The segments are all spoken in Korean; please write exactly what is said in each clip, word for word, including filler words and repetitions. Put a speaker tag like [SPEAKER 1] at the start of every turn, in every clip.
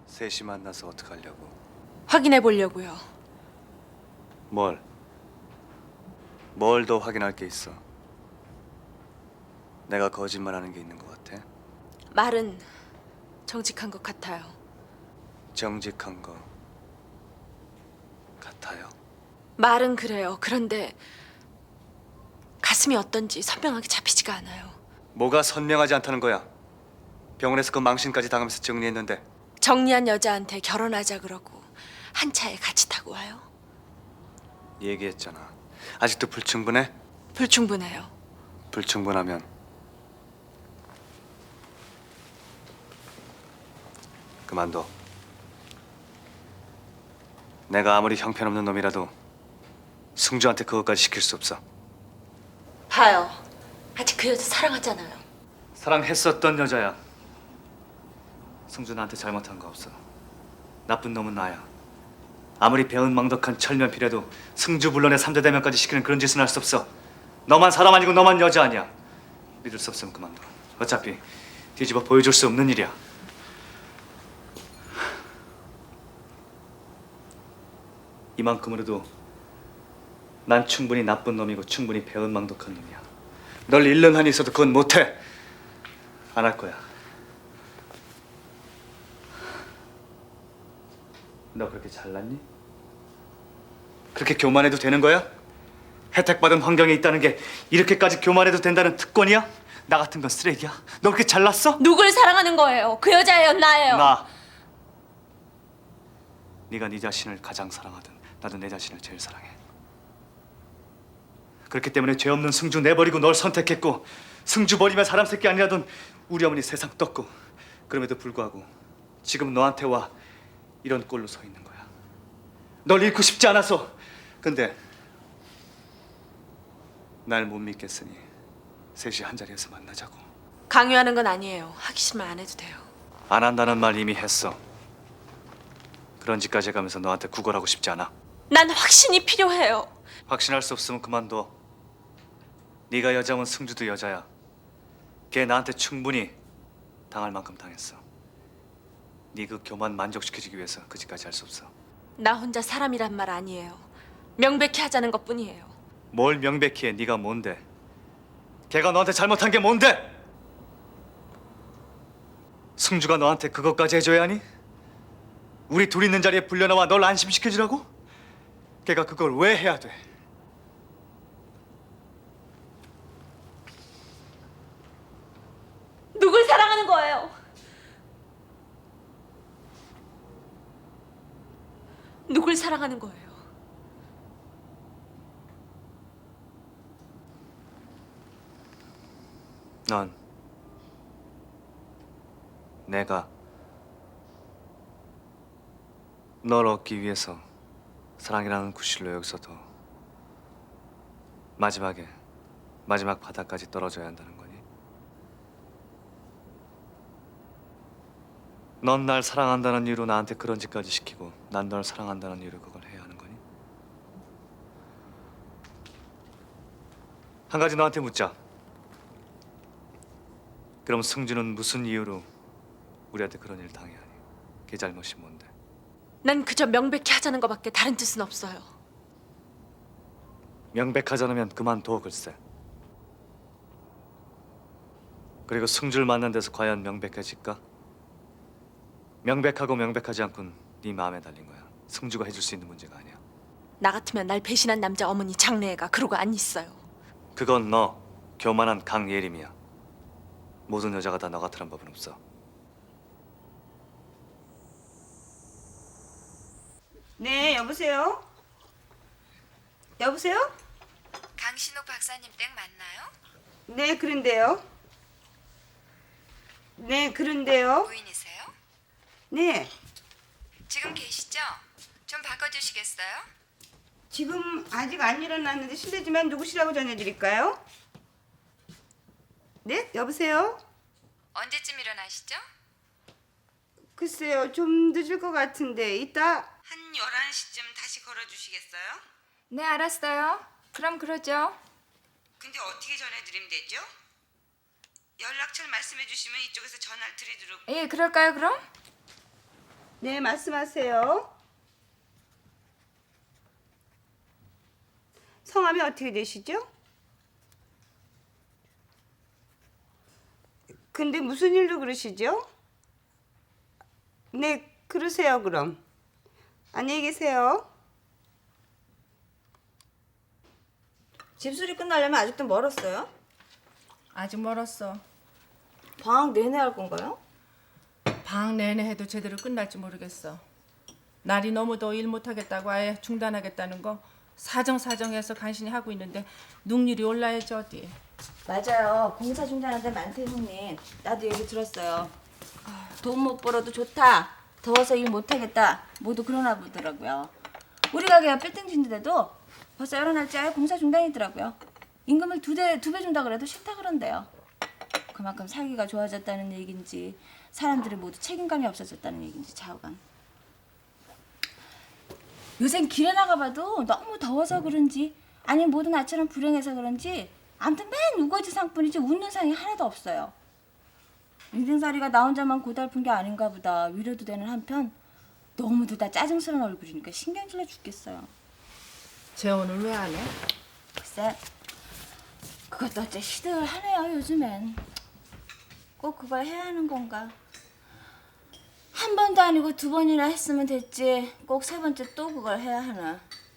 [SPEAKER 1] 셋이 만나서 어떡하려고?
[SPEAKER 2] 확인해 보려고요.
[SPEAKER 1] 뭘? 뭘 더 확인할 게 있어? 내가 거짓말하는 게 있는 것 같아?
[SPEAKER 2] 말은 정직한 것 같아요.
[SPEAKER 1] 정직한 거 같아요?
[SPEAKER 2] 말은 그래요. 그런데 가슴이 어떤지 선명하게 잡히지가 않아요.
[SPEAKER 1] 뭐가 선명하지 않다는 거야? 병원에서 그 망신까지 당하면서 정리했는데
[SPEAKER 2] 정리한 여자한테 결혼하자 그러고 한 차에 같이 타고 와요.
[SPEAKER 1] 얘기했잖아. 아직도 불충분해?
[SPEAKER 2] 불충분해요.
[SPEAKER 1] 불충분하면 그만둬. 내가 아무리 형편없는 놈이라도 승주한테 그것까지 시킬 수 없어.
[SPEAKER 2] 봐요. 아직 그 여자 사랑하잖아요.
[SPEAKER 1] 사랑했었던 여자야. 승주 나한테 잘못한 거 없어. 나쁜 놈은 나야. 아무리 배은망덕한 철면피라도 승주 불론의 삼대 대면까지 시키는 그런 짓은 할 수 없어. 너만 사람 아니고 너만 여자 아니야. 믿을 수 없으면 그만둬. 어차피 뒤집어 보여줄 수 없는 일이야. 이만큼으로도 난 충분히 나쁜 놈이고 충분히 배은망덕한 놈이야. 널 잃는 한이 있어도 그건 못해. 안 할 거야. 너 그렇게 잘났니? 그렇게 교만해도 되는 거야? 혜택받은 환경에 있다는 게 이렇게까지 교만해도 된다는 특권이야? 나 같은 건 쓰레기야? 너 그렇게 잘났어?
[SPEAKER 2] 누굴 사랑하는 거예요? 그 여자예요, 나예요?
[SPEAKER 1] 나. 네가 네 자신을 가장 사랑하든 나도 내 자신을 제일 사랑해. 그렇기 때문에 죄 없는 승주 내버리고 널 선택했고 승주 버리면 사람 새끼 아니라던 우리 어머니 세상 떴고 그럼에도 불구하고 지금 너한테 와 이런 꼴로 서 있는 거야. 널 잃고 싶지 않아서. 근데 날 못 믿겠으니 셋이 한 자리에서 만나자고.
[SPEAKER 2] 강요하는 건 아니에요. 하기 싫으면 안 해도 돼요.
[SPEAKER 1] 안 한다는 말 이미 했어. 그런 짓까지 해가면서 너한테 구걸하고 싶지 않아.
[SPEAKER 2] 난 확신이 필요해요.
[SPEAKER 1] 확신할 수 없으면 그만둬. 네가 여자면 승주도 여자야. 걔 나한테 충분히 당할 만큼 당했어. 네 그 교만 만족시켜주기 위해서 그 짓까지 할 수 없어.
[SPEAKER 2] 나 혼자 사람이란 말 아니에요. 명백히 하자는 것뿐이에요.
[SPEAKER 1] 뭘 명백히 해. 네가 뭔데? 걔가 너한테 잘못한 게 뭔데? 승주가 너한테 그것까지 해줘야 하니? 우리 둘 있는 자리에 불려나와 널 안심시켜주라고? 걔가 그걸 왜 해야 돼?
[SPEAKER 2] 누굴 사랑하는 거예요? 누굴 사랑하는 거예요?
[SPEAKER 1] 넌 내가 널 얻기 위해서 사랑이라는 구실로 여기서도 마지막에 마지막 바닥까지 떨어져야 한다는 거니? 넌 날 사랑한다는 이유로 나한테 그런 짓까지 시키고 난 널 사랑한다는 이유로 그걸 해야 하는 거니? 한 가지 너한테 묻자. 그럼 승주는 무슨 이유로 우리한테 그런 일을 당해야 하니? 걔 잘못이 뭔데?
[SPEAKER 2] 난 그저 명백히 하자는 것밖에 다른 뜻은 없어요.
[SPEAKER 1] 명백하지 않으면 그만둬 글쎄. 그리고 승주를 만난 데서 과연 명백해질까? 명백하고 명백하지 않군 네 마음에 달린 거야. 승주가 해줄 수 있는 문제가 아니야.
[SPEAKER 2] 나 같으면 날 배신한 남자 어머니 장래애가 그러고 안 있어요.
[SPEAKER 1] 그건 너 교만한 강예림이야. 모든 여자가 다 너 같으란 법은 없어.
[SPEAKER 3] 네, 여보세요? 여보세요?
[SPEAKER 4] 강신옥 박사님 댁 맞나요?
[SPEAKER 3] 네, 그런데요. 네, 그런데요.
[SPEAKER 4] 부인이세요?
[SPEAKER 3] 네,
[SPEAKER 4] 지금 계시죠? 좀 바꿔주시겠어요?
[SPEAKER 3] 지금 아직 안 일어났는데 실례지만 누구시라고 전해드릴까요? 네, 여보세요?
[SPEAKER 4] 언제쯤 일어나시죠?
[SPEAKER 3] 글쎄요, 좀 늦을 것 같은데 이따 한 열한 시쯤 다시 걸어주시겠어요?
[SPEAKER 5] 네, 알았어요. 그럼 그러죠.
[SPEAKER 3] 근데 어떻게 전해드리면 되죠? 연락처를 말씀해 주시면 이쪽에서 전화를 드리도록.
[SPEAKER 5] 예, 그럴까요, 그럼?
[SPEAKER 3] 네, 말씀하세요. 성함이 어떻게 되시죠? 근데 무슨 일로 그러시죠? 네, 그러세요, 그럼. 안녕히 계세요.
[SPEAKER 6] 집수리 끝나려면 아직도 멀었어요?
[SPEAKER 5] 아직 멀었어.
[SPEAKER 6] 방학 내내 할 건가요?
[SPEAKER 5] 방학 내내 해도 제대로 끝날지 모르겠어. 날이 너무 더워 일 못하겠다고 아예 중단하겠다는 거 사정사정해서 간신히 하고 있는데 능률이 올라야지 어디.
[SPEAKER 6] 맞아요. 공사 중단한 데 많대 형님. 나도 얘기 들었어요. 돈 못 벌어도 좋다. 더워서 일 못하겠다. 모두 그러나 보더라고요. 우리 가게가 빌딩 짓는데도 벌써 여러 날째 아예 공사 중단이더라고요. 임금을 두 대, 두 배 준다 그래도 싫다 그런대요. 그만큼 살기가 좋아졌다는 얘긴지 사람들이 모두 책임감이 없어졌다는 얘긴지 좌우간. 요샌 길에 나가봐도 너무 더워서 그런지 아니면 모두 나처럼 불행해서 그런지 아무튼 맨 우거지 상뿐이지 웃는 상이 하나도 없어요. 인생살이가 나 혼자만 고달픈 게 아닌가 보다 위로도 되는 한편 너무도 다 짜증스러운 얼굴이니까 신경질나 죽겠어요.
[SPEAKER 5] 재혼을 왜 안 해?
[SPEAKER 6] 글쎄 그것도 어째 시들하네요 요즘엔. 꼭 그걸 해야 하는 건가? 한 번도 아니고 두 번이나 했으면 됐지 꼭 세 번째 또 그걸 해야 하나.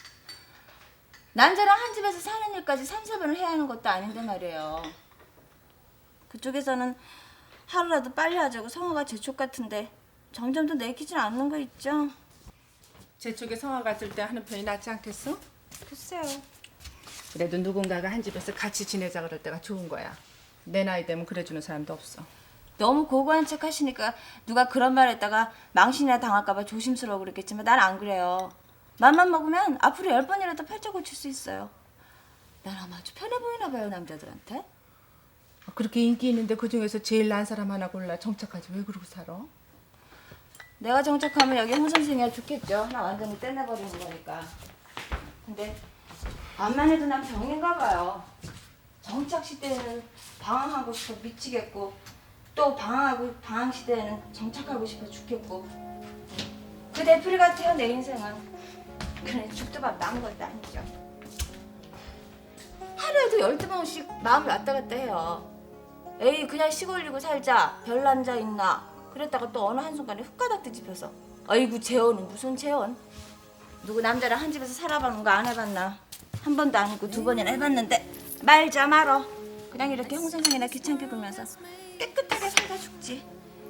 [SPEAKER 6] 남자랑 한 집에서 사는 일까지 삼사 번을 해야 하는 것도 아닌데 말이에요. 그쪽에서는 하루라도 빨리 하자고 성화가 재촉 같은데 점점 더 내키질 않는 거 있죠?
[SPEAKER 5] 제 쪽에 성화 같을 때 하는 편이 낫지 않겠어?
[SPEAKER 6] 글쎄요.
[SPEAKER 5] 그래도 누군가가 한 집에서 같이 지내자 그럴 때가 좋은 거야. 내 나이 되면 그래주는 사람도 없어.
[SPEAKER 6] 너무 고고한 척 하시니까 누가 그런 말 했다가 망신이나 당할까 봐 조심스러워 그랬겠지만 난 안 그래요. 맘만 먹으면 앞으로 열 번이라도 팔자 고칠 수 있어요. 난 아마 아주 편해 보이나 봐요 남자들한테.
[SPEAKER 5] 그렇게 인기 있는데 그중에서 제일 난 사람 하나 골라 정착하지 왜 그러고 살아?
[SPEAKER 6] 내가 정착하면 여기 홍 선생이야 좋겠죠. 나 완전히 떼내버리는 거니까. 근데 암만 해도 난 병인가 봐요. 정착 시대에는 방황하고 싶어 미치겠고 또 방황하고 방황 시대에는 정착하고 싶어 죽겠고 그 대풀이 같아요 내 인생은. 그래 죽도 밥 남은 것도 아니죠. 하루에도 열두 번씩 마음이 왔다 갔다 해요. 에이 그냥 시골리고 살자 별 남자 있나 그랬다가 또 어느 한순간에 훅가닥 뒤집혀서 아이고 재혼은 무슨 재혼. 누구 남자랑 한 집에서 살아보는 거 안 해봤나. 한 번도 아니고 두 번이나 해봤는데 말자 말어. 그냥 이렇게 홍선생이나 귀찮게 굴면서 깨끗하게 살다 죽지.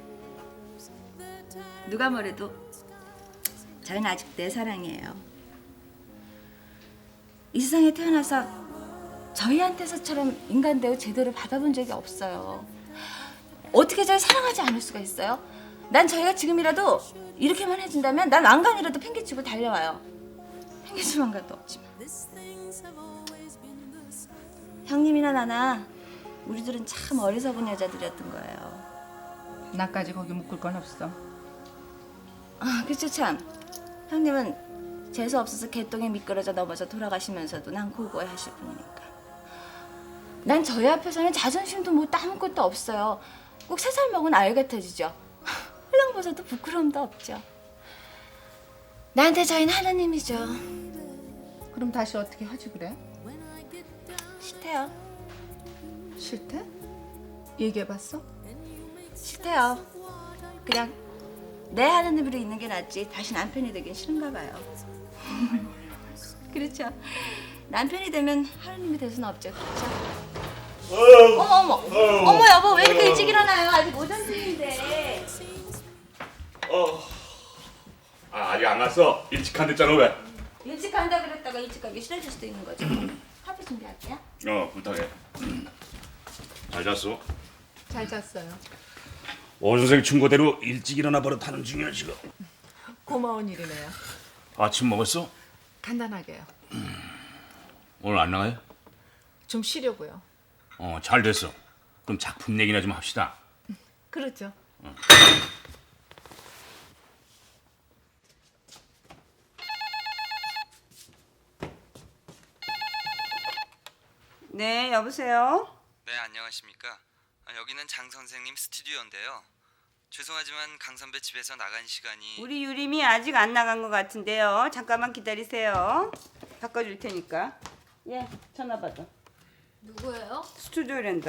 [SPEAKER 6] 누가 뭐래도 저희는 아직 내 사랑이에요. 이 세상에 태어나서 저희한테서처럼 인간 대우 제대로 받아본 적이 없어요. 어떻게 저희 사랑하지 않을 수가 있어요? 난 저희가 지금이라도 이렇게만 해준다면 난 왕관이라도 팽개치고 달려와요. 팽개칠 왕관도 없지만. 형님이나 나나 우리들은 참 어리석은 여자들이었던 거예요.
[SPEAKER 5] 나까지 거기 묶을 건 없어.
[SPEAKER 6] 아, 그쵸 참. 형님은 재수 없어서 개똥에 미끄러져 넘어져 돌아가시면서도 난 고고해 하실 분이니까. 난 저희 앞에서는 자존심도 뭐 아무것도 없어요. 꼭 세 살 먹은 아이 같아지죠. 흘렁벗어도 부끄러움도 없죠. 나한테 저희는 하나님이죠.
[SPEAKER 5] 그럼 다시 어떻게 하지 그래?
[SPEAKER 6] 싫대요.
[SPEAKER 5] 싫대? 얘기해봤어?
[SPEAKER 6] 싫대요. 그냥 내 하나님으로 있는 게 낫지 다시 남편이 되긴 싫은가 봐요. 그렇죠. 남편이 되면 하나님이 될 수는 없죠. 그렇죠. 어머 어머 어머 여보 왜 이렇게 일찍 일어나요? 아직 오전 중인데.
[SPEAKER 7] 어. 아, 아직 안 갔어. 일찍 한댔잖아 왜?
[SPEAKER 6] 일찍 간다 그랬다가 일찍 가기 싫어질 수도 있는 거죠. 커피 준비할게요.
[SPEAKER 7] 어, 부탁해. 잘 잤어?
[SPEAKER 5] 잘 잤어요.
[SPEAKER 7] 오 선생 충고대로 일찍 일어나 버릇하는 중이야 지금.
[SPEAKER 5] 고마운 일이네요.
[SPEAKER 7] 아침 먹었어?
[SPEAKER 5] 간단하게요.
[SPEAKER 7] 오늘 안 나가요?
[SPEAKER 5] 좀 쉬려고요.
[SPEAKER 7] 어, 잘 됐어. 그럼 작품 얘기나 좀 합시다.
[SPEAKER 5] 그렇죠.
[SPEAKER 3] 네, 여보세요?
[SPEAKER 8] 네, 안녕하십니까. 아, 여기는 장 선생님 스튜디오인데요. 죄송하지만 강 선배 집에서 나간 시간이
[SPEAKER 3] 우리 유림이 아직 안 나간 것 같은데요. 잠깐만 기다리세요. 바꿔줄 테니까. 예, 전화 받아.
[SPEAKER 6] 누구예요?
[SPEAKER 3] 스튜디오랜다.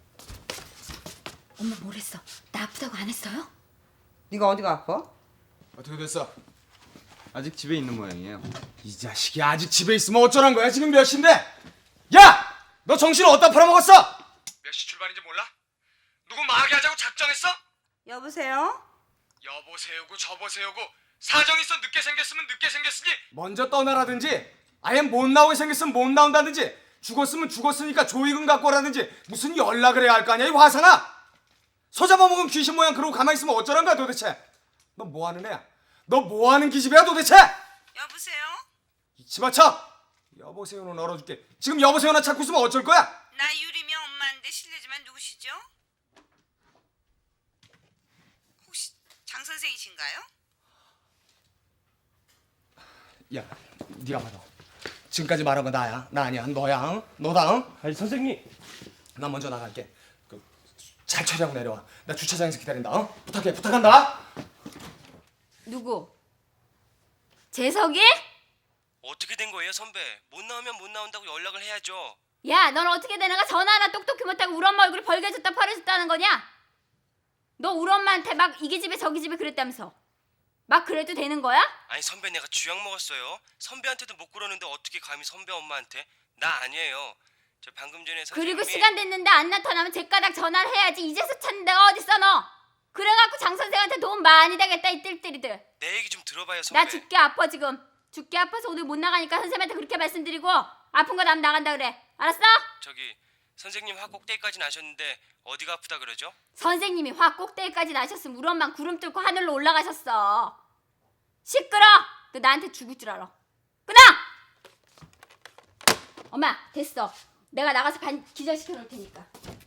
[SPEAKER 6] 엄마 뭘 했어? 나 아프다고 안 했어요?
[SPEAKER 3] 네가 어디가 아파?
[SPEAKER 9] 어떻게 됐어?
[SPEAKER 10] 아직 집에 있는 모양이에요.
[SPEAKER 9] 이 자식이 아직 집에 있으면 어쩌란 거야? 지금 몇 시인데? 야! 너 정신을 어디다 팔아먹었어? 몇 시 출발인지 몰라? 누구 마하게 하자고 작정했어?
[SPEAKER 3] 여보세요?
[SPEAKER 9] 여보세요고 저보세요고 사정 있어 늦게 생겼으면 늦게 생겼으니 먼저 떠나라든지 아예 못 나오게 생겼으면 못 나온다든지 죽었으면 죽었으니까 조의금 갖고 오라든지 무슨 연락을 해야 할 거 아니야 이 화상아! 소 잡아먹은 귀신 모양 그러고 가만히 있으면 어쩌란 거야 도대체? 너 뭐하는 애야? 너 뭐하는 기집애야 도대체?
[SPEAKER 3] 여보세요?
[SPEAKER 9] 이치마쳐! 여보세요는 얼어줄게. 지금 여보세요나 찾고 있으면 어쩔 거야?
[SPEAKER 3] 나 유림이 엄마인데 실례지만 누구시죠? 혹시 장 선생이신가요?
[SPEAKER 9] 야, 네가 받아. 지금까지 말한 거 나야. 나 아니야. 너야. 응? 너다. 응?
[SPEAKER 11] 아니 선생님.
[SPEAKER 9] 나 먼저 나갈게. 그, 잘 처리하고 내려와. 나 주차장에서 기다린다. 응? 부탁해. 부탁한다.
[SPEAKER 6] 누구? 재석이?
[SPEAKER 11] 어떻게 된 거예요 선배? 못 나오면 못 나온다고 연락을 해야죠.
[SPEAKER 6] 야, 넌 어떻게 되나가 전화 하나 똑똑히 못하고 우리 엄마 얼굴이 벌개졌다 파래졌다는 거냐? 너 우리 엄마한테 막 이게 집에 저기 집에 그랬다면서 막 그래도 되는 거야?
[SPEAKER 11] 아니 선배 내가 쥐약 먹었어요. 선배한테도 못 그러는데 어떻게 감히 선배 엄마한테? 나 아니에요. 저 방금 전에 선생님이
[SPEAKER 6] 그리고 시간 됐는데 안 나타나면 쟤가닥 전화를 해야지. 이제서 찾는 데가 어딨어 너? 그래갖고 장 선생한테 도움 많이 되겠다 이 뜰뜰이들.
[SPEAKER 11] 내 얘기 좀 들어봐요 선배.
[SPEAKER 6] 나 죽게 아파 지금. 죽게 아파서 오늘 못 나가니까 선생님한테 그렇게 말씀드리고 아픈 거 남 나간다 그래. 알았어?
[SPEAKER 11] 저기 선생님 화 꼭대기까지 나셨는데 어디가 아프다 그러죠?
[SPEAKER 6] 선생님이 화 꼭대기까지 나셨으면 우리 엄마 구름 뚫고 하늘로 올라가셨어. 시끄러! 너 나한테 죽을 줄 알아. 끊어! 엄마 됐어. 내가 나가서 반 기절시켜 놓을 테니까.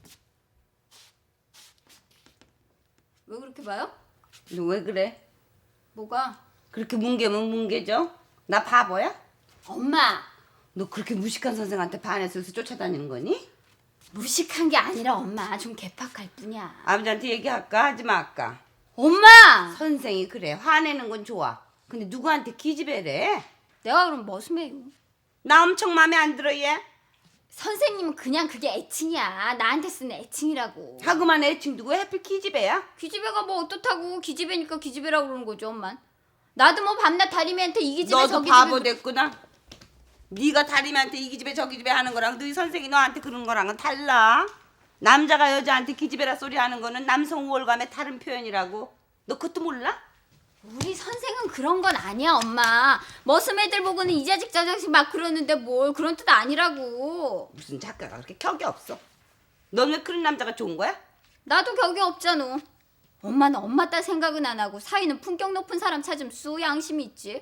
[SPEAKER 6] 왜 그렇게 봐요?
[SPEAKER 3] 너 왜 그래?
[SPEAKER 6] 뭐가?
[SPEAKER 3] 그렇게 뭉개면 뭉개져? 나 바보야?
[SPEAKER 6] 엄마
[SPEAKER 3] 너 그렇게 무식한 선생한테 반해서 쫓아다니는 거니?
[SPEAKER 6] 무식한 게 아니라 엄마 좀 개팍할 뿐이야.
[SPEAKER 3] 아버지한테 얘기할까? 하지 말까?
[SPEAKER 6] 엄마!
[SPEAKER 3] 선생이 그래 화내는 건 좋아. 근데 누구한테 기집애래?
[SPEAKER 6] 내가 그럼 머슴해요.
[SPEAKER 3] 나 엄청 마음에 안 들어 얘.
[SPEAKER 6] 선생님은 그냥 그게 애칭이야. 나한테 쓰는 애칭이라고.
[SPEAKER 3] 하고만 애칭 두고 해필 기집애야?
[SPEAKER 6] 기집애가 뭐 어떻다고. 기집애니까 기집애라고 그러는 거죠 엄마. 나도 뭐 밤낮 다리미한테 이 기집애
[SPEAKER 3] 너도
[SPEAKER 6] 저기
[SPEAKER 3] 바보
[SPEAKER 6] 집애
[SPEAKER 3] 됐구나. 네가 다리미한테 이 기집애 저기 집애 하는 거랑 너희 선생이 너한테 그러는 거랑은 달라. 남자가 여자한테 기집애라 소리 하는 거는 남성 우월감의 다른 표현이라고. 너 그것도 몰라?
[SPEAKER 6] 우리 선생은 그런 건 아니야 엄마. 머슴 애들 보고는 이 자식 저 자식 막 그러는데 뭘 그런 뜻 아니라고.
[SPEAKER 3] 무슨 작가가 그렇게 격이 없어. 넌 왜 그런 남자가 좋은 거야?
[SPEAKER 6] 나도 격이 없잖아. 엄마는 엄마 딸 생각은 안 하고 사위는 품격 높은 사람 찾으면 수 양심이 있지.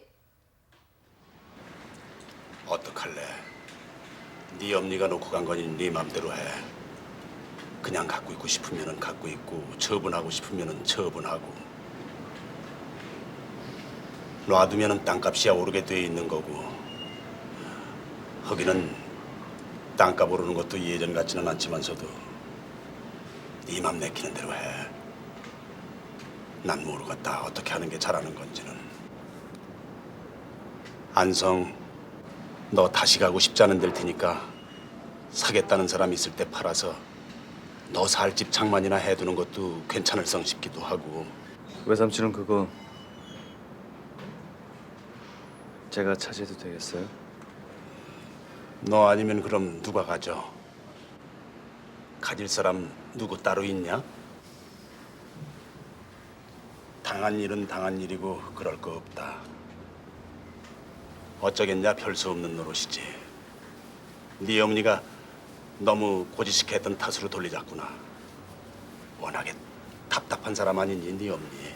[SPEAKER 7] 어떡할래? 네 엄니가 놓고 간 거니 네 맘대로 해. 그냥 갖고 있고 싶으면은 갖고 있고 처분하고 싶으면은 처분하고. 놔두면은 땅값이야 오르게 돼 있는 거고. 거기는 땅값 오르는 것도 예전 같지는 않지만서도 네 맘 내키는 대로 해. 난 모르겠다 어떻게 하는 게 잘하는 건지는. 안성 너 다시 가고 싶지 않은 데일 테니까 사겠다는 사람 있을 때 팔아서 너 살 집 장만이나 해두는 것도 괜찮을 성 싶기도 하고.
[SPEAKER 1] 외삼촌은 그거 제가 차지해도 되겠어요?
[SPEAKER 7] 너 아니면 그럼 누가 가져? 가질 사람 누구 따로 있냐? 당한 일은 당한 일이고 그럴 거 없다. 어쩌겠냐 별 수 없는 노릇이지. 네 어머니가 너무 고지식해 했던 탓으로 돌리자꾸나. 워낙에 답답한 사람 아니니 네 어머니.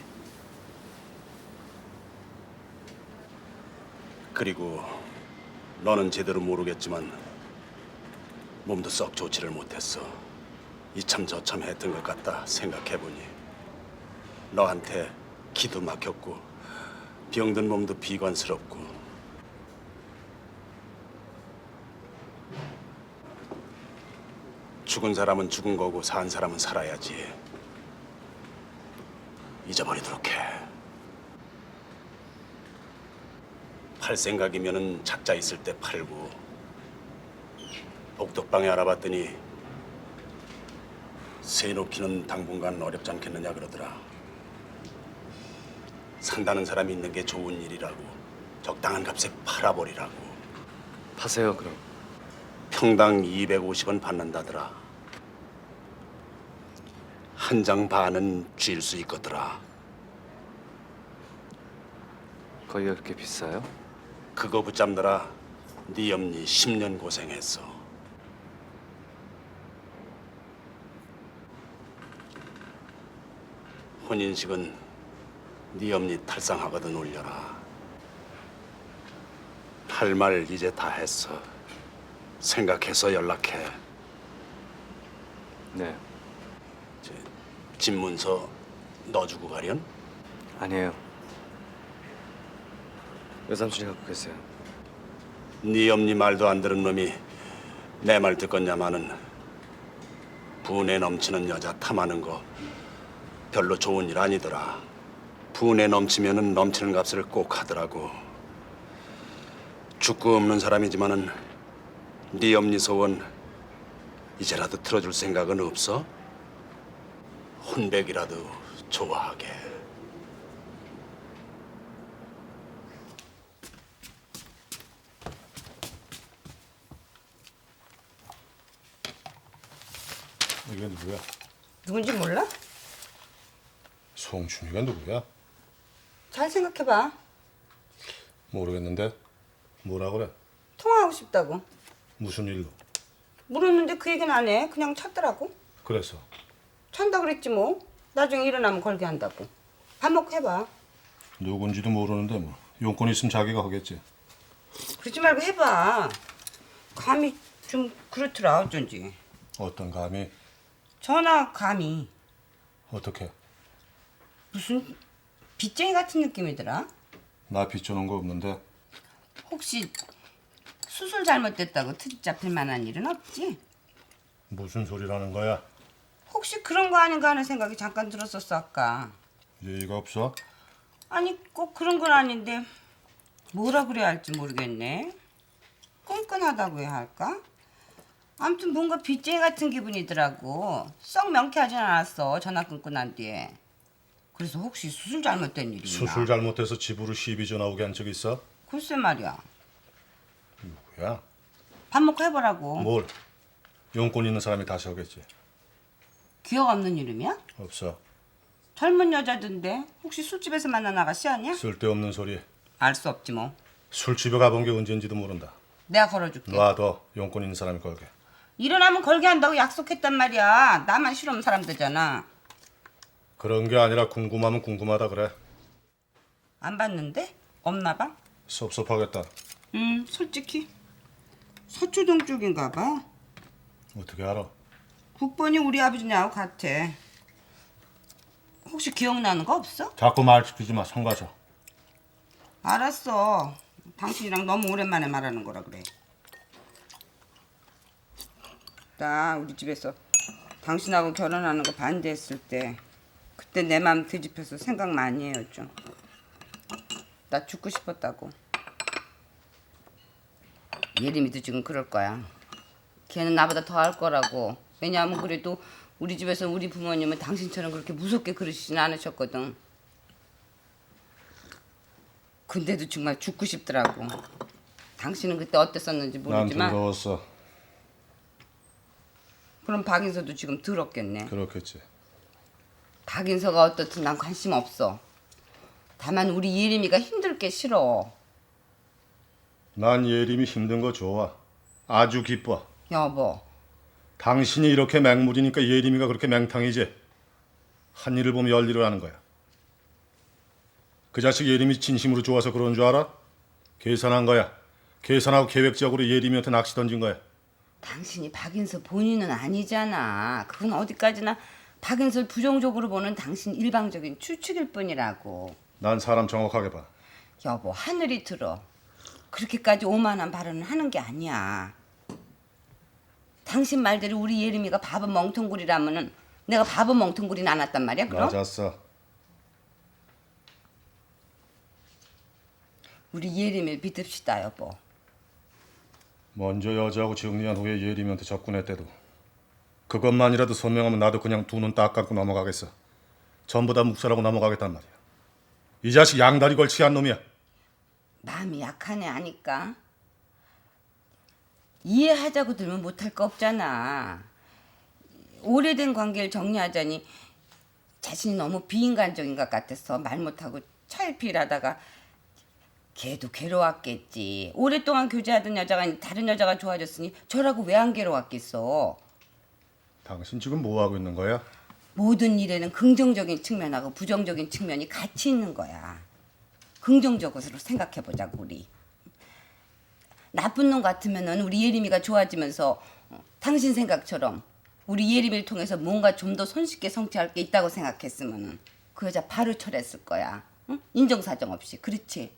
[SPEAKER 7] 그리고 너는 제대로 모르겠지만 몸도 썩 좋지를 못했어. 이참 저참 했던 것 같다 생각해보니. 너한테 기도 막혔고 병든 몸도 비관스럽고. 죽은 사람은 죽은 거고 산 사람은 살아야지. 잊어버리도록 해. 팔 생각이면은 작자 있을 때 팔고, 복덕방에 알아봤더니 새 놓기는 당분간 어렵지 않겠느냐 그러더라. 산다는 사람이 있는 게 좋은 일이라고, 적당한 값에 팔아버리라고.
[SPEAKER 1] 파세요 그럼.
[SPEAKER 7] 평당 이백오십 원 받는다더라. 한 장 반은 쥘 수 있거더라.
[SPEAKER 1] 거기가 그렇게 비싸요?
[SPEAKER 7] 그거 붙잡느라 네 엄니 십 년 고생했어. 혼인식은 네 엄니 탈상하거든 올려라. 할 말 이제 다 했어. 생각해서 연락해.
[SPEAKER 1] 네.
[SPEAKER 7] 저, 집문서 넣어주고 가련?
[SPEAKER 1] 아니에요. 외삼촌이 갖고 계세요.
[SPEAKER 7] 네 엄니 말도 안 들은 놈이 내 말 듣겠냐마는 분에 넘치는 여자 탐하는 거 별로 좋은 일 아니더라. 분에 넘치면은 넘치는 값을 꼭 하더라고. 죽고 없는 사람이지만은 네 엄니 소원 이제라도 틀어줄 생각은 없어? 혼백이라도 좋아하게.
[SPEAKER 12] 이게 누구야?
[SPEAKER 3] 누군지 몰라?
[SPEAKER 12] 송춘이가 누구야?
[SPEAKER 3] 잘 생각해봐.
[SPEAKER 12] 모르겠는데 뭐라 그래?
[SPEAKER 3] 통화하고 싶다고.
[SPEAKER 12] 무슨 일로?
[SPEAKER 3] 물었는데 그 얘기는 안 해. 그냥 찾더라고.
[SPEAKER 12] 그래서
[SPEAKER 3] 찬다 그랬지 뭐. 나중에 일어나면 걸게 한다고. 밥 먹고 해봐.
[SPEAKER 12] 누군지도 모르는데 뭐 용건 있으면 자기가 하겠지.
[SPEAKER 3] 그러지 말고 해봐. 감이 좀 그렇더라 어쩐지.
[SPEAKER 12] 어떤 감이?
[SPEAKER 3] 전화 감이
[SPEAKER 12] 어떻게?
[SPEAKER 3] 무슨 빚쟁이 같은 느낌이더라.
[SPEAKER 12] 나 빚져놓은 거 없는데.
[SPEAKER 3] 혹시 수술 잘못됐다고 트집 잡힐 만한 일은 없지?
[SPEAKER 12] 무슨 소리라는 거야?
[SPEAKER 3] 혹시 그런 거 아닌가 하는 생각이 잠깐 들었었어 아까.
[SPEAKER 12] 예의가 없어?
[SPEAKER 3] 아니 꼭 그런 건 아닌데 뭐라 그래야 할지 모르겠네. 끈끈하다고 해야 할까? 아무튼 뭔가 빚쟁이 같은 기분이더라고. 썩 명쾌하진 않았어 전화 끊고 난 뒤에. 그래서 혹시 수술 잘못된 일이나.
[SPEAKER 12] 수술 잘못해서 집으로 시비 전화 오게 한 적 있어?
[SPEAKER 3] 글쎄 말이야.
[SPEAKER 12] 누구야?
[SPEAKER 3] 밥 먹고 해보라고.
[SPEAKER 12] 뭘? 용건 있는 사람이 다시 하겠지.
[SPEAKER 3] 기억 없는 이름이야?
[SPEAKER 12] 없어.
[SPEAKER 3] 젊은 여자던데 혹시 술집에서 만난 아가씨 아니야?
[SPEAKER 12] 쓸데없는 소리.
[SPEAKER 3] 알 수 없지 뭐.
[SPEAKER 12] 술집에 가본 게 언제인지도 모른다.
[SPEAKER 3] 내가 걸어줄게.
[SPEAKER 12] 놔둬. 용건 있는 사람이 걸게.
[SPEAKER 3] 일어나면 걸게 한다고 약속했단 말이야. 나만 싫어하는 사람 되잖아.
[SPEAKER 12] 그런 게 아니라 궁금하면 궁금하다 그래.
[SPEAKER 3] 안 봤는데? 없나 봐?
[SPEAKER 12] 섭섭하겠다.
[SPEAKER 3] 음 솔직히 서초동 쪽인가 봐.
[SPEAKER 12] 어떻게 알아?
[SPEAKER 3] 국번이 우리 아버지냐고 같아. 혹시 기억나는 거 없어?
[SPEAKER 12] 자꾸 말 시키지 마. 성가셔.
[SPEAKER 3] 알았어. 당신이랑 너무 오랜만에 말하는 거라 그래. 나 우리 집에서 당신하고 결혼하는 거 반대했을 때 그때 내 마음 뒤집혀서 생각 많이 해요 좀. 나 죽고 싶었다고. 예림이도 지금 그럴 거야. 걔는 나보다 더 할 거라고. 왜냐하면 그래도 우리 집에서 우리 부모님은 당신처럼 그렇게 무섭게 그러시진 않으셨거든. 근데도 정말 죽고 싶더라고. 당신은 그때 어땠었는지
[SPEAKER 12] 난
[SPEAKER 3] 모르지만
[SPEAKER 12] 더러웠어.
[SPEAKER 3] 그럼 박인서도 지금 더럽겠네.
[SPEAKER 12] 그렇겠지.
[SPEAKER 3] 박인서가 어떻든 난 관심 없어. 다만 우리 예림이가 힘들 게 싫어.
[SPEAKER 12] 난 예림이 힘든 거 좋아. 아주 기뻐.
[SPEAKER 3] 여보.
[SPEAKER 12] 당신이 이렇게 맹물이니까 예림이가 그렇게 맹탕이지. 한 일을 보면 열 일을 하는 거야. 그 자식 예림이 진심으로 좋아서 그런 줄 알아? 계산한 거야. 계산하고 계획적으로 예림이한테 낚시 던진 거야.
[SPEAKER 3] 당신이 박인서 본인은 아니잖아. 그건 어디까지나 박인서를 부정적으로 보는 당신 일방적인 추측일 뿐이라고.
[SPEAKER 12] 난 사람 정확하게 봐.
[SPEAKER 3] 여보, 하늘이 들어. 그렇게까지 오만한 발언을 하는 게 아니야. 당신 말대로 우리 예림이가 바보 멍텅구리라면은 내가 바보 멍텅구리는 않았단 말이야, 그럼?
[SPEAKER 12] 맞았어.
[SPEAKER 3] 우리 예림을 믿읍시다 여보.
[SPEAKER 12] 먼저 여자하고 정리한 후에 예림이한테 접근했대도 그것만이라도 선명하면 나도 그냥 두 눈 딱 감고 넘어가겠어. 전부 다 묵살하고 넘어가겠단 말이야. 이 자식 양다리 걸치게 한 놈이야.
[SPEAKER 3] 마음이 약하네 아니까. 이해하자고 들면 못할 거 없잖아. 오래된 관계를 정리하자니 자신이 너무 비인간적인 것 같아서 말 못하고 차일피일하다가 걔도 괴로웠겠지. 오랫동안 교제하던 여자가 다른 여자가 좋아졌으니 저라고 왜 안 괴로웠겠어.
[SPEAKER 12] 당신 지금 뭐 하고 있는 거야?
[SPEAKER 3] 모든 일에는 긍정적인 측면하고 부정적인 측면이 같이 있는 거야. 긍정적으로 생각해보자고 우리. 나쁜 놈 같으면은 우리 예림이가 좋아지면서 당신 생각처럼 우리 예림이를 통해서 뭔가 좀 더 손쉽게 성취할 게 있다고 생각했으면은 그 여자 바로 철했을 거야. 응? 인정사정 없이. 그렇지?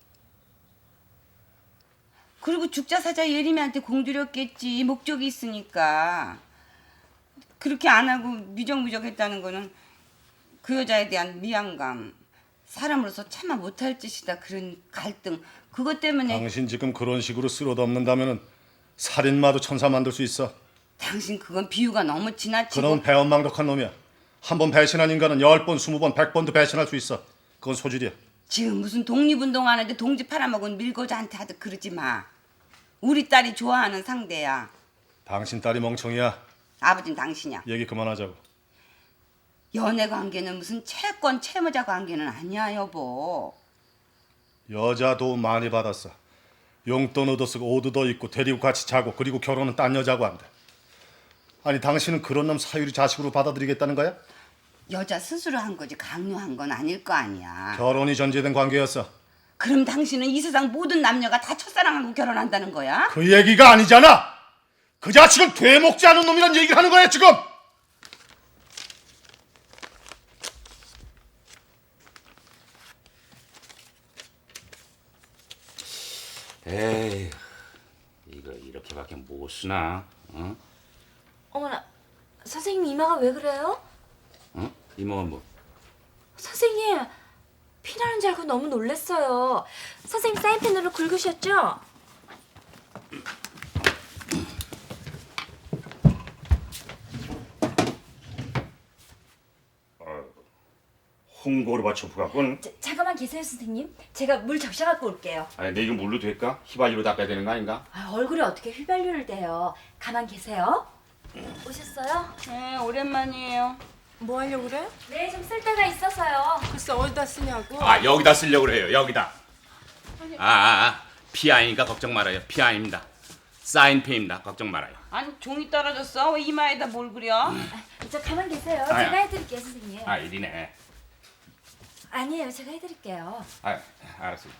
[SPEAKER 3] 그리고 죽자사자 예림이한테 공들였겠지. 목적이 있으니까. 그렇게 안 하고 미적미적 했다는 거는 그 여자에 대한 미안감, 사람으로서 참아 못할 짓이다 그런 갈등, 그것 때문에.
[SPEAKER 12] 당신 지금 그런 식으로 쓸어덮는다면은 살인마도 천사 만들 수 있어.
[SPEAKER 3] 당신 그건 비유가 너무 지나치고.
[SPEAKER 12] 그놈은 배은망덕한 놈이야. 한 번 배신한 인간은 열 번, 스무 번, 백 번도 배신할 수 있어. 그건 소질이야.
[SPEAKER 3] 지금 무슨 독립운동하는데 동지 팔아먹은 밀고자한테 하듯 그러지 마. 우리 딸이 좋아하는 상대야.
[SPEAKER 12] 당신 딸이 멍청이야.
[SPEAKER 3] 아버진 당신이야.
[SPEAKER 12] 얘기 그만하자고.
[SPEAKER 3] 연애 관계는 무슨 채권 채무자 관계는 아니야 여보.
[SPEAKER 12] 여자 도움 많이 받았어. 용돈 얻어 쓰고 옷 얻어 입고 데리고 같이 자고 그리고 결혼은 딴 여자고 한대. 아니 당신은 그런 놈 사유리 자식으로 받아들이겠다는 거야?
[SPEAKER 3] 여자 스스로 한 거지 강요한 건 아닐 거 아니야.
[SPEAKER 12] 결혼이 전제된 관계였어.
[SPEAKER 3] 그럼 당신은 이 세상 모든 남녀가 다 첫사랑하고 결혼한다는 거야?
[SPEAKER 12] 그 얘기가 아니잖아. 그 자식은 되먹지 않은 놈이란 얘기를 하는 거야 지금.
[SPEAKER 13] 에이, 이거 이렇게밖에 못 쓰나? 어?
[SPEAKER 6] 어머나, 선생님 이마가 왜 그래요?
[SPEAKER 13] 어? 이모가 뭐?
[SPEAKER 6] 선생님, 피나는 줄 알고 너무 놀랐어요. 선생님 사인펜으로 긁으셨죠?
[SPEAKER 13] 홍고를 받쳐 부갖군.
[SPEAKER 6] 자, 잠깐만 계세요, 선생님. 제가 물 적셔 갖고 올게요.
[SPEAKER 13] 아니, 내 이거 물로 될까? 휘발유로 닦아야 되는 거 아닌가?
[SPEAKER 6] 아, 얼굴에 어떻게 휘발유를 대요? 가만 계세요. 오셨어요?
[SPEAKER 3] 네, 오랜만이에요.
[SPEAKER 5] 뭐 하려고 그래?
[SPEAKER 6] 네, 좀 쓸 데가 있어서요.
[SPEAKER 5] 글쎄 어디다 쓰냐고.
[SPEAKER 13] 아, 여기다 쓰려고 그래요. 여기다. 아, 아, 아. 피 아니니까 걱정 말아요. 피 아닙니다. 사인펜입니다. 걱정 말아요.
[SPEAKER 3] 아니 종이 떨어졌어? 왜 이마에다 뭘 그려?
[SPEAKER 6] 아, 저 가만 계세요.
[SPEAKER 13] 아야.
[SPEAKER 6] 제가 해드릴게요, 선생님.
[SPEAKER 13] 아, 이리네.
[SPEAKER 6] 아니에요, 제가 해드릴게요.
[SPEAKER 13] 아, 알았어.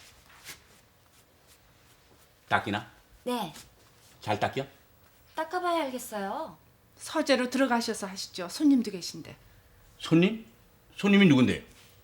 [SPEAKER 13] 닦이나?
[SPEAKER 6] 네,
[SPEAKER 13] 잘 닦여?
[SPEAKER 6] 닦아봐야 알겠어요.
[SPEAKER 5] 서재로 들어가셔서 하시죠. 손님도 계신데.
[SPEAKER 13] 손님? 손님이 누군데요?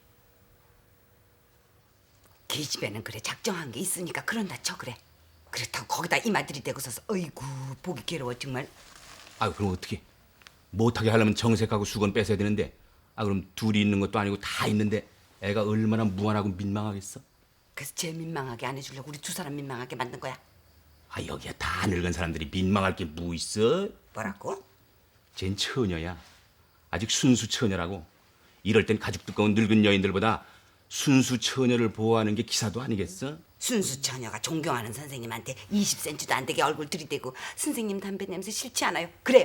[SPEAKER 3] 걔 집에는 그래 작정한 게 있으니까 그런다 쳐 그래. 그렇다고 거기다 이마 들이대고 서서 어이구 보기 괴로워 정말.
[SPEAKER 13] 아, 그럼 어떻게? 못하게 하려면 정색하고 수건 뺏어야 되는데, 아, 그럼 둘이 있는 것도 아니고 다 있는데 애가 얼마나 무안하고 민망하겠어?
[SPEAKER 3] 그래서 쟤 민망하게 안 해주려고 우리 두 사람 민망하게 만든 거야.
[SPEAKER 13] 아, 여기야 다 늙은 사람들이 민망할 게 뭐 있어?
[SPEAKER 3] 뭐라고?
[SPEAKER 13] 쟨 처녀야. 아직 순수 처녀라고. 이럴 땐 가죽 두꺼운 늙은 여인들보다 순수 처녀를 보호하는 게 기사도 아니겠어?
[SPEAKER 3] 순수 처녀가 존경하는 선생님한테 이십 센티미터도 안 되게 얼굴 들이대고 선생님 담배 냄새 싫지 않아요? 그래요.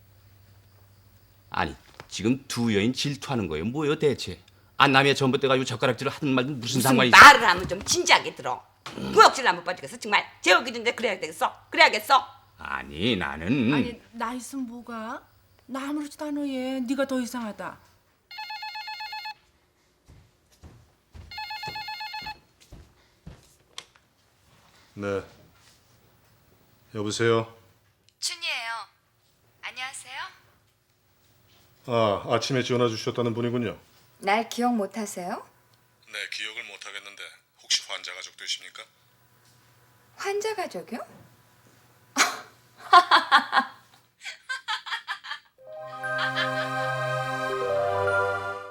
[SPEAKER 13] 아니, 지금 두 여인 질투하는 거예요. 뭐예요 대체? 아, 남의 전봇대 가지고 젓가락질을 하든 말든 무슨
[SPEAKER 3] 무슨
[SPEAKER 13] 상관이 있어?
[SPEAKER 3] 말을 하면 좀 진지하게 들어. 구역질 나못 빠지겠어 정말. 재우기 전에 그래야 되겠어? 그래야겠어?
[SPEAKER 13] 아니, 나는
[SPEAKER 5] 아니 나 있으면 뭐가? 나 아무렇지도 않아 얘. 네가 더 이상하다.
[SPEAKER 12] 네. 여보세요.
[SPEAKER 4] 춘이에요. 안녕하세요.
[SPEAKER 12] 아, 아침에 전화 주셨다는 분이군요.
[SPEAKER 4] 날 기억 못 하세요?
[SPEAKER 12] 네, 기억을 못 하겠는데 혹시 환자 가족 되십니까?
[SPEAKER 4] 환자 가족이요?